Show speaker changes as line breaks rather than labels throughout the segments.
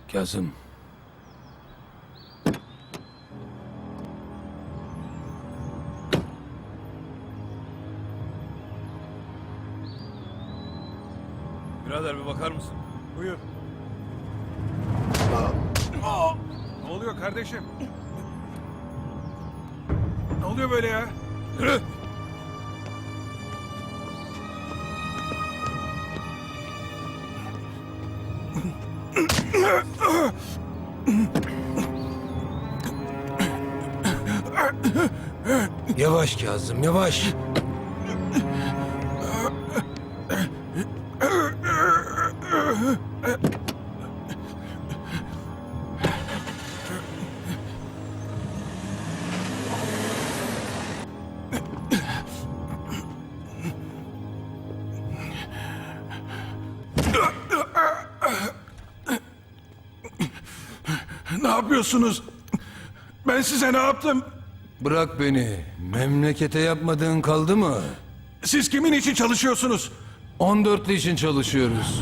Kazım.
Birader bir bakar mısın?
Buyur. Ne oluyor kardeşim? Ne oluyor böyle ya?
Yürü!
Yavaş Kazım, yavaş.
Ne yapıyorsunuz? Ben size ne yaptım?
Bırak beni. Memlekete yapmadığın kaldı mı?
Siz kimin için çalışıyorsunuz?
14'lü için çalışıyoruz.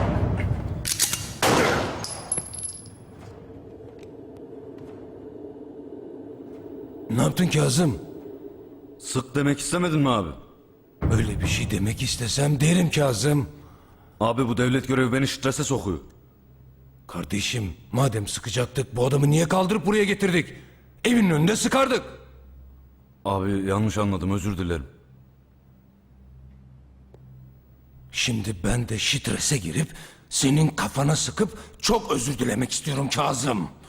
Ne yaptın Kazım?
Sık demek istemedin mi abi?
Öyle bir şey demek istesem derim Kazım.
Abi bu devlet görevi beni strese sokuyor.
Kardeşim, madem sıkacaktık bu adamı niye kaldırıp buraya getirdik? Evinin önünde sıkardık.
Abi yanlış anladım, özür dilerim.
Şimdi ben de strese girip senin kafana sıkıp çok özür dilemek istiyorum Kazım.